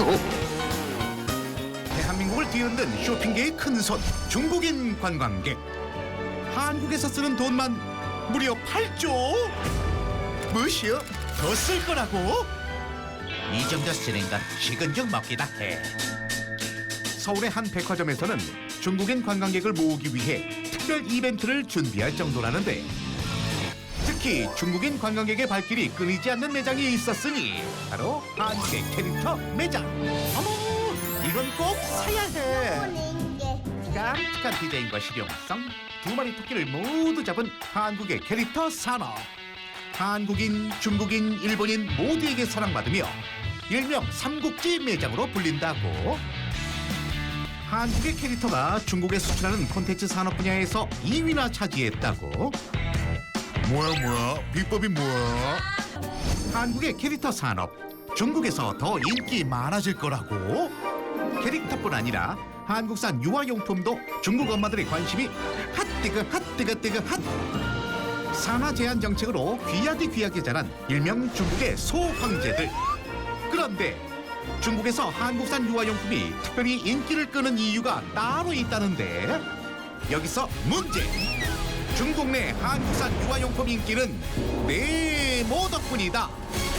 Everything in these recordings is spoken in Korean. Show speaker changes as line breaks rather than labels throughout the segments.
대한민국을 뒤흔든 쇼핑계의 큰손 중국인 관광객. 한국에서 쓰는 돈만 무려 8조? 무엇이요? 더 쓸 거라고? 이 정도 쓰는 건 식은 죽 먹기다 해. 서울의 한 백화점에서는 중국인 관광객을 모으기 위해 특별 이벤트를 준비할 정도라는데, 특히 중국인 관광객의 발길이 끊이지 않는 매장이 있었으니 바로 한국의 캐릭터 매장. 어머, 이건 꼭 사야 해. 깜찍한 디자인과 실용성, 두 마리 토끼를 모두 잡은 한국의 캐릭터 산업. 한국인, 중국인, 일본인 모두에게 사랑받으며 일명 삼국지 매장으로 불린다고. 한국의 캐릭터가 중국에 수출하는 콘텐츠 산업 분야에서 2위나 차지했다고. 뭐야 비법이 뭐야? 한국의 캐릭터 산업, 중국에서 더 인기 많아질 거라고. 캐릭터뿐 아니라 한국산 유아용품도 중국 엄마들의 관심이 핫뜨거 핫. 산화 제한 정책으로 귀하게 자란 일명 중국의 소황제들. 그런데 중국에서 한국산 유아용품이 특별히 인기를 끄는 이유가 따로 있다는데, 여기서 문제. 중국 내 한국산 유아용품 인기는 네모 덕분이다.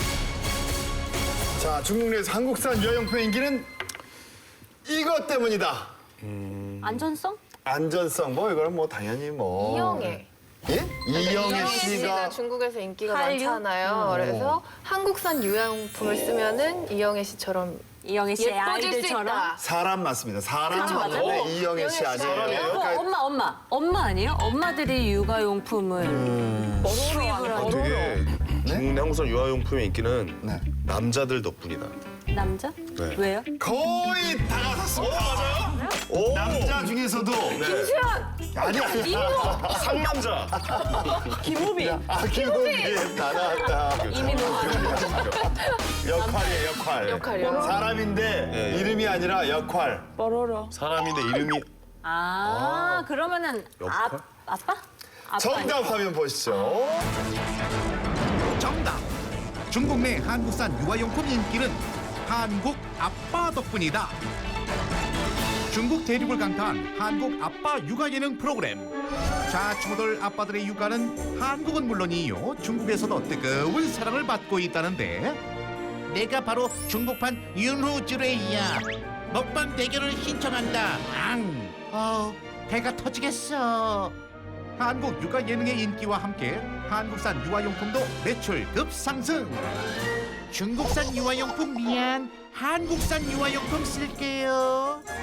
자, 중국 내에서 한국산 유아용품 인기는 이것 때문이다.
안전성?
안전성, 뭐 이거는 뭐 당연히 뭐.
이영애.
예? 이영애 씨가
중국에서 인기가
한류?
많잖아요. 그래서 한국산 유아용품을 쓰면은 이영애 씨처럼
이영애 씨의
예뻐질 수
아이들처럼?
있다.
사람 맞습니다. 사람
그쵸, 맞아요.
맞는데 이영애 씨
이영애 씨.
아니에요.
어,
그러니까
엄마 아니에요? 엄마들이 육아용품을 수입을 하는
되게 중국 내 한국산 유아용품의 인기는
네.
남자들 덕분이다.
남자?
네.
왜요?
거의 다 맞았습니다. 맞아요?
오!
남자 중에서도 아니야.
상남자!
김우빈.
김호빈 다 나왔다.
이미
역할이에요, 역할.
역할이요?
사람인데
예, 예.
이름이 아니라 역할.
사람인데 이름이
그러면은
역할?
아빠? 아빠
정답 화면 보시죠.
정답. 중국 내 한국산 유아용품 인기는 한국 아빠 덕분이다. 중국 대륙을 강타한 한국 아빠 육아 예능 프로그램. 좌충우돌 아빠들의 육아는 한국은 물론이요, 중국에서도 뜨거운 사랑을 받고 있다는데, 내가 바로 중국판 윤호주레이야. 먹방 대결을 신청한다. 배가 터지겠어. 한국 육아 예능의 인기와 함께 한국산 유아용품도 매출 급상승. 중국산 유아용품 미안, 한국산 유아용품 쓸게요.